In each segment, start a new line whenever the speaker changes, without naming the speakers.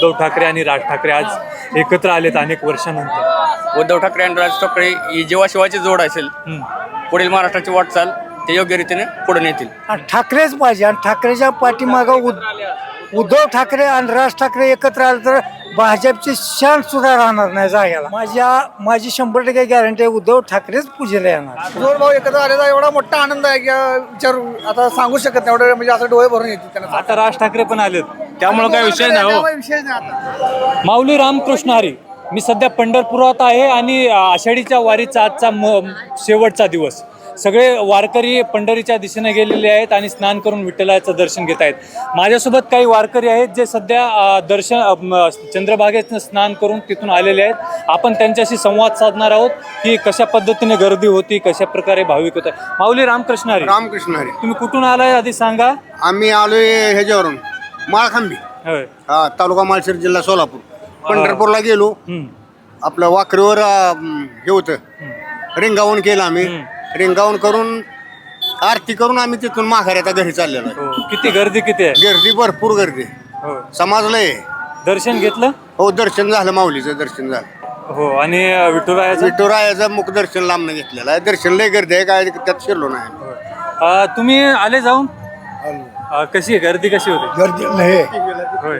उद्धव ठाकरे आणि राज ठाकरे आज एकत्र आलेत अनेक वर्षानंतर.
उद्धव ठाकरे आणि राज ठाकरे ही जेव्हा शिवाची जोड असेल पुढील महाराष्ट्राची वाटचाल ते योग्य रीतीने पुढे नेतील.
आणि ठाकरेच पाहिजे आणि ठाकरेच्या पाठीमागं उद्धव ठाकरे आणि राज ठाकरे एकत्र आले तर भाजपची शान सुद्धा राहणार नाही जाग्याला. माझी 100% गॅरंटी आहे उद्धव ठाकरेच पूजेला येणार.
जोड भाऊ एकत्र आलेला एवढा मोठा आनंद आहे की विचार आता सांगू शकत नाही. एवढं म्हणजे असं डोळे भरून येते त्यांना.
आता राज ठाकरे पण आलेत त्यामुळे काय विषय नाही हो.
विषय नाही आता.
माऊली रामकृष्ण हरी. मी सध्या पंढरपुरात आहे आणि आषाढीच्या वारीचा आजचा शेवटचा दिवस. सगळे वारकरी पंढरीच्या दिशेने गेलेले आहेत आणि स्नान करून विठ्ठलाचं दर्शन घेत आहेत. माझ्यासोबत काही वारकरी आहेत जे सध्या चंद्रभागेत स्नान करून तिथून आलेले आहेत. आपण त्यांच्याशी संवाद साधणार आहोत की कशा पद्धतीने गर्दी होती, कशा प्रकारे भाविक होत. माऊली रामकृष्ण हरी.
रामकृष्ण हरी.
तुम्ही कुठून आलाय आधी सांगा.
आम्ही आलोय ह्याच्यावरून माळखांबी,
होय.
तालुका माळशिरस, जिल्हा सोलापूर. पंढरपूरला गेलो. आपलं वाकरीवर हे होतं, रिंगावून केलं आम्ही. रिंगावून करून आरती करून आम्ही तिथून माघारी आता घरी चाललेलो आहे.
हो. किती गर्दी किती आहे.
गर्दी भरपूर गर्दी.
हो.
समाजलंय.
दर्शन घेतलं.
हो, दर्शन झालं, माऊलीचं दर्शन झालं.
हो. आणि विठुरायाचं
विठुरायाचं मुख दर्शन लांबनं घेतलेलं आहे. दर्शन लय गर्दी आहे, काय त्यात शिरलो नाही.
तुम्ही आले जाऊन. कशी आहे गर्दी, कशी होती.
गर्दी लय
होय.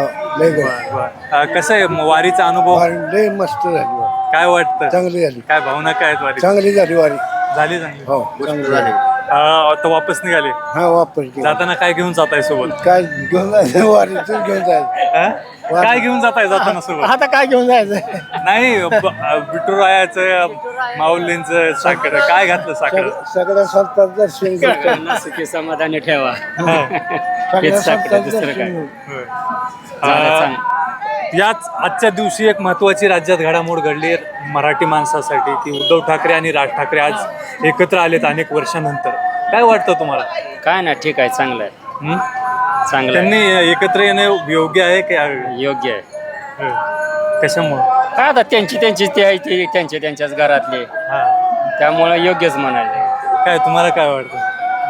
लय
कसं आहे वारीचा अनुभव.
लय मस्त झाली,
काय वाटतं.
चांगली झाली,
काय भावना काय आहेत वारी.
चांगली झाली वारी.
झाली चांगली.
हो,
मस्त झाली.
आता वापस निघाले.
हा वापस
जाताना काय घेऊन जाताय सोबत.
काय घेऊन जायचं वारीतून घेऊन जायचं.
काय घेऊन जाताय जाताना सोबत.
आता काय घेऊन जायचं.
नाही विठुरायाचं माऊलींचं साखर काय घातलं साखर.
सगळ्या संतांचं दर्शन घेतलं.
सुखी समाधानी ठेवा.
सगळ्या संतांचं दर्शन घेतलं.
याच आजच्या दिवशी एक महत्वाची राज्यात घडामोड घडली आहे मराठी माणसासाठी की उद्धव ठाकरे आणि राज ठाकरे आज एकत्र आलेत अनेक वर्षानंतर. काय वाटतं तुम्हाला.
काय ना, ठीक आहे, चांगलं आहे. चांगलं आहे.
त्यांनी एकत्र येणं योग्य आहे की
योग्य आहे.
कशामुळे.
काय आता त्यांची ते आहे ते त्यांच्याच घरातले, त्यामुळे योग्यच म्हणाले.
काय तुम्हाला काय वाटतं.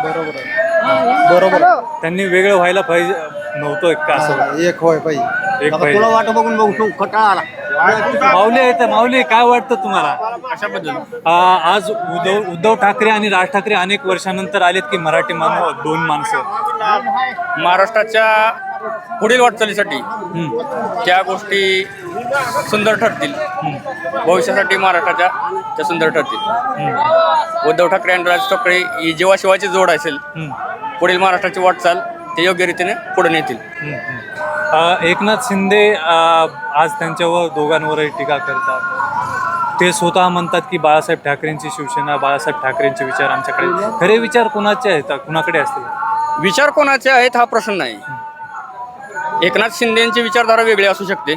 बरोबर.
त्यांनी वेगळं व्हायला पाहिजे नव्हतं का असं.
एक होय पाहिजे.
एक
तुला
पाहिजे.
वाट बघून बघू खटाळा आला.
माऊली आहे तर माऊली काय वाटतं तुम्हाला. आज उद्धव ठाकरे आणि राज ठाकरे अनेक वर्षानंतर आलेत की मराठी दोन माणसं.
महाराष्ट्राच्या पुढील वाटचालीसाठी त्या गोष्टी सुंदर ठरतील. भविष्यासाठी महाराष्ट्राच्या त्या सुंदर ठरतील. उद्धव ठाकरे आणि राज ठाकरे ही जेव्हा शिवाची जोड असेल पुढील महाराष्ट्राची वाटचाल ते योग्य रीतीने पुढे नेतील.
एकनाथ शिंदे आज त्यांच्यावर दोघांवरही टीका करतात. ते स्वतः म्हणतात की बाळासाहेब ठाकरेंची शिवसेना, बाळासाहेब ठाकरेंचे विचार आमच्याकडे. खरे विचार कोणाचे आहेत, कुणाकडे असतील.
विचार कोणाचे आहेत हा प्रश्न नाही. एकनाथ शिंदेची विचारधारा वेगळी असू शकते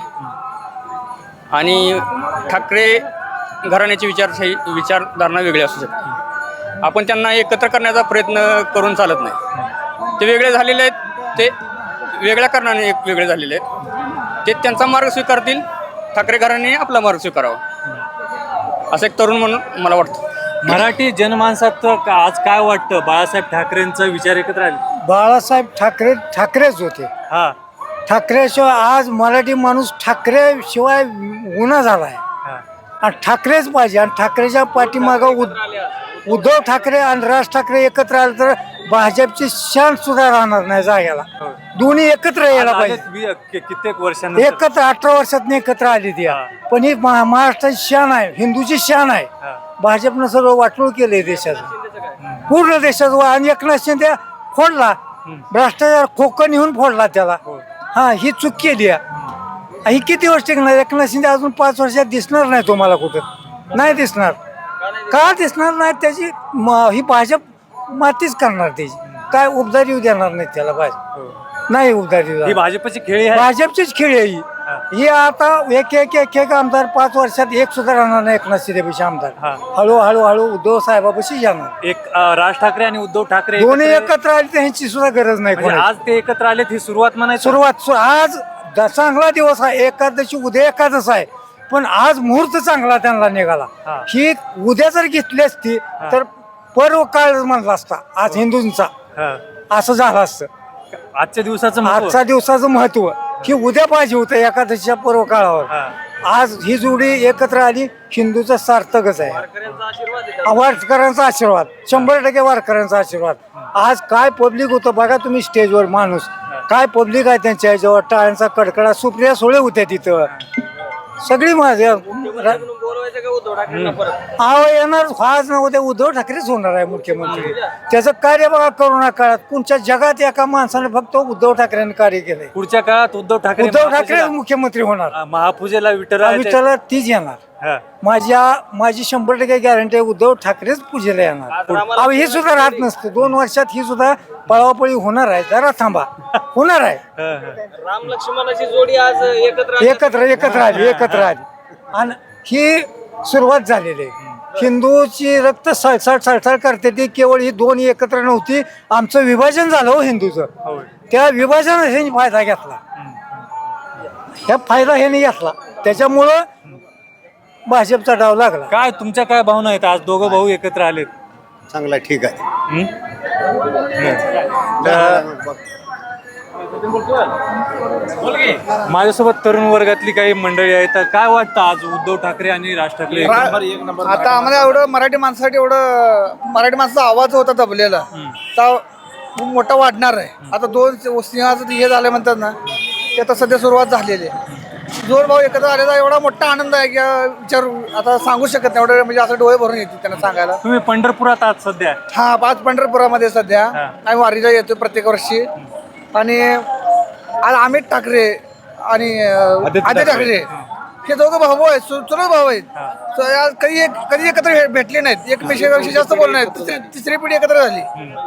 आणि ठाकरे घराण्याची विचारधारणा वेगळी असू शकते. आपण त्यांना एकत्र करण्याचा प्रयत्न करून चालत नाही. ते वेगळे झालेले आहेत, ते वेगळ्या कारणाने वेगळे झालेले आहेत. ते त्यांचा मार्ग स्वीकारतील, ठाकरे घराणे आपला मार्ग स्वीकारावा असं एक तरुण म्हणून मला वाटतं.
मराठी जनमानसात आज काय वाटतं. बाळासाहेब ठाकरेंचा विचार एकत्र आले.
बाळासाहेब ठाकरेच होते.
हा.
ठाकरेशिवाय आज मराठी माणूस ठाकरेशिवाय गुन्हा झाला आहे. आणि ठाकरेच पाहिजे आणि ठाकरेच्या पाठीमागं उद्धव ठाकरे आणि राज ठाकरे एकत्र आले तर भाजपची शान सुद्धा राहणार नाही जाग्याला. दोन्ही एकत्र यायला पाहिजे.
कित्येक वर्षांनी
एकत्र 18 वर्षात एकत्र आली ती. पण ही महाराष्ट्राची शान आहे, हिंदूची शान आहे. भाजपनं सगळं वाटोळ केलंय देशाचं, पूर्ण देशाचं. आणि एकनाथ शिंदे फोडला, भ्रष्टाचार खोकं नेऊन फोडला त्याला. हा, ही चूक केली आहे. ही किती वर्ष टिकणार. एकनाथ शिंदे अजून 5 वर्षात दिसणार नाही तुम्हाला कुठं. नाही दिसणार. का दिसणार नाही. त्याची ही भाजप मातीच करणार. त्याची काय उबदारी येऊ देणार नाही त्याला. भाजप नाही उबदारी.
ही भाजपची खेळी आहे.
भाजपचीच खेळी आहे ही. आता एक आमदार 5 वर्षात एक सुद्धा राहणार नाही एकनाथ शिंदेपेशी आमदार. हळूहळू उद्धव साहेबापाशी जाणार.
एक राज ठाकरे आणि उद्धव ठाकरे
दोन्ही एकत्र आले तर ह्यांची सुद्धा गरज नाही.
म्हणजे आज ते एकत्र आलेत ही सुरुवात म्हणायची.
सुरुवात आज चांगला दिवस आहे. एकादशी उद्या एकादश आहे. पण आज मुहूर्त चांगला त्यांना निघाला. ही उद्या जर घेतली असती तर पर्व काळ म्हणला असता आज हिंदूंचा. असं झालं असतं
आजच्या दिवसाचं
आजच्या दिवसाचं महत्व. ही उद्या पाहिजे होतं एकादशीच्या पर्व काळावर. आज ही जोडी एकत्र आली, हिंदूचं सार्थकच आहे. वारकऱ्यांचा आशीर्वाद, 100% वारकऱ्यांचा आशीर्वाद. आज काय पब्लिक होतं बघा तुम्ही स्टेजवर, माणूस काय पब्लिक आहे त्यांच्या ह्याच्यावर, टाळ्यांचा कडकडा. सुप्रिया सुळे होत्या तिथं, सगळी माझ्या येणार. आज ना उद्या उद्धव ठाकरेच होणार आहे मुख्यमंत्री. त्याचं कार्य बघा करोना काळात कोणत्या जगात एका माणसाने फक्त उद्धव ठाकरेंनी कार्य केलंय.
पुढच्या काळात उद्धव ठाकरे
मुख्यमंत्री होणार.
महापूजेला
विठ्ठला तीच येणार. माझी 100% गॅरंटी आहे, उद्धव ठाकरेच पूजेला येणार. अहो हे सुद्धा राहत नसतं. 2 वर्षात ही सुद्धा पळापळी होणार आहे. जरा थांबा, होणार आहे.
राम लक्ष्मणाची जोडी आज
एकत्र आली आणि ही सुरुवात झालेली आहे. हिंदूची रक्त सळसळ करते ती केवळ ही 2 एकत्र नव्हती. आमचं विभाजन झालं हो हिंदूचं. त्या विभाजनात ह्यांनी फायदा घेतला. ह्या फायदा ह्यांनी घेतला, त्याच्यामुळं भाजपचा डाव लागला.
काय तुमच्या काय भावना आहेत? आज दोघं भाऊ एकत्र आलेत.
चांगला ठीक आहे.
माझ्यासोबत तरुण वर्गातली काही मंडळी आहेत. तर काय वाटतं आज उद्धव ठाकरे आणि राज ठाकरे
आता आम्हाला एवढं मराठी माणसासाठी एवढं मराठी माणसाचा आवाज होता दबलेला, तर खूप मोठा वाढणार आहे. आता 2 सिंहाचं हे झालं म्हणतात ना, ते आता सध्या सुरुवात झालेली आहे. जोड भाऊ एकत्र आलेला एवढा मोठा आनंद आहे की विचार आता सांगू शकत नाही. एवढं म्हणजे असं डोळे भरून येते त्यांना सांगायला.
तुम्ही पंढरपुरात आहात सध्या.
हा, 5 पंढरपुरामध्ये सध्या आम्ही वारीला येतो प्रत्येक वर्षी. आणि आज अमित ठाकरे आणि आदित्य ठाकरे हे दोघं भाऊ आहेत, चुलत भाऊ आहेत. कधी एकत्र भेटले नाहीत, एकमेकांशी जास्त बोलले नाहीत. तिसरी पिढी एकत्र झाली.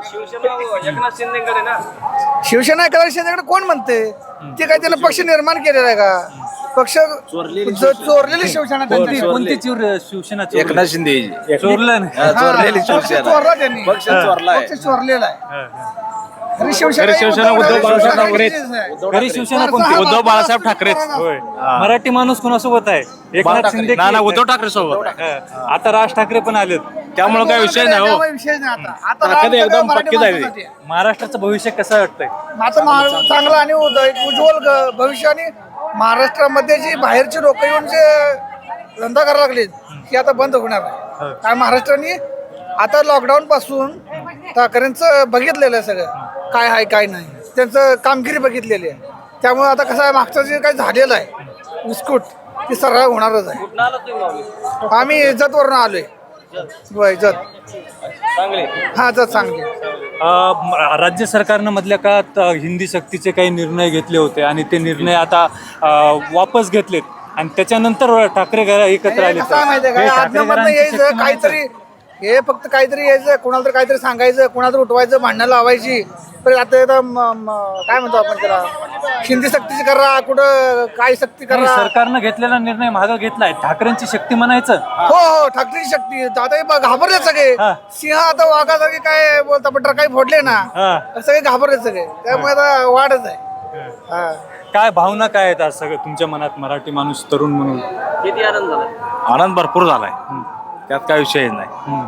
एकनाथ शिंदेकडे ना,
शिवसेना एकनाथ शिंदेकडे कोण म्हणते? ते काय त्याला पक्ष निर्माण केलेला आहे का? पक्ष चोरलेली शिवसेना त्यांची.
कोणती शिवसेना
एकनाथ शिंदे
चोरलं नाही.
चोरलेली
पक्ष
शिवसेना,
चोरला त्यांनी.
पक्ष चोरलाय.
पक्ष चोरलेला आहे. खरी
शिवसेना उद्धव बाळासाहेब ठाकरे.
खरी शिवसेना कोणती?
उद्धव बाळासाहेब ठाकरेच.
होय. मराठी माणूस कोणासोबत आहे? एकनाथ शिंदे की-
ना उद्धव ठाकरे सोबत.
आता राज ठाकरे पण आलेत.
त्यामुळे काय विषय नाही हो.
त्यामुळे विषय नाही आता. आता
ताकद
राज
एकदम
मराठी
पक्की झाली.
माणसासाठी आहे.
महाराष्ट्राचं भविष्य कसं वाटतंय?
आता चांगलं आणि उज्ज्वल भविष्य. आणि महाराष्ट्रामध्ये जी बाहेरची लोक येऊन जे धंदा करायला लागलेत, ही आता बंद होणार आहे. काय महाराष्ट्राने आता लॉकडाऊन पासून ठाकरेंचं बघितलेलं आहे सगळं, काय आहे काय नाही, त्यांचं कामगिरी बघितलेली आहे. त्यामुळे आता कसं आहे, मागचं जे काही झालेलं आहे विस्कुट, ते सरळ होणारच आहे.
कुठं आला तुम्ही माऊली?
आम्ही इज्जतवरून आलोय. इज्जत
चांगले.
हा, इज्जत चांगली.
राज्य सरकारनं मधल्या काळात हिंदी सक्तीचे काही निर्णय घेतले होते आणि ते निर्णय आता वापस घेतलेत आणि त्याच्यानंतर ठाकरे एकत्र आले.
कसं आहे माहितीये का, आज्ञामधनं यायचं काहीतरी, हे फक्त काहीतरी यायचं, कोणाला तर काहीतरी सांगायचं, कोणाला तर उठवायचं, भांडणं लावायची. पण आता काय म्हणतो आपण त्याला, हिंदी सक्तीची करा, कुठं काय सक्ती करा.
सरकारनं घेतलेला निर्णय मागं घेतलाय. ठाकरेंची शक्ती म्हणायचं.
हो, ठाकरेची शक्ती. आता हे घाबरले सगळे. सिंह आता वाघासारखे काय बोलता, पण काही फोडले ना, सगळे घाबरले सगळे. त्यामुळे आता वाढच आहे. हा,
काय भावना काय आहेत आज सगळं तुमच्या मनात, मराठी माणूस तरुण म्हणून?
किती आनंद झाला?
आनंद भरपूर झालाय, त्यात काय विषय नाही.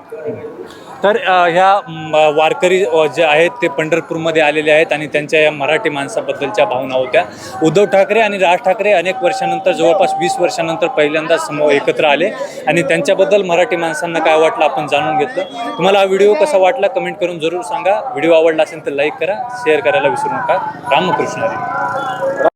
तर ह्या वारकरी जे आहेत ते पंढरपूरमध्ये आलेले आहेत आणि त्यांच्या या मराठी माणसाबद्दलच्या भावना होत्या. उद्धव ठाकरे आणि राज ठाकरे अनेक वर्षानंतर, जवळपास 20 वर्षानंतर पहिल्यांदा एकत्र आले आणि त्यांच्याबद्दल मराठी माणसांना काय वाटलं आपण जाणून घेतलं. तुम्हाला हा व्हिडिओ कसा वाटला कमेंट करून जरूर सांगा. व्हिडिओ आवडला असेल तर लाईक करा, शेअर करायला विसरू नका. रामकृष्ण हरी.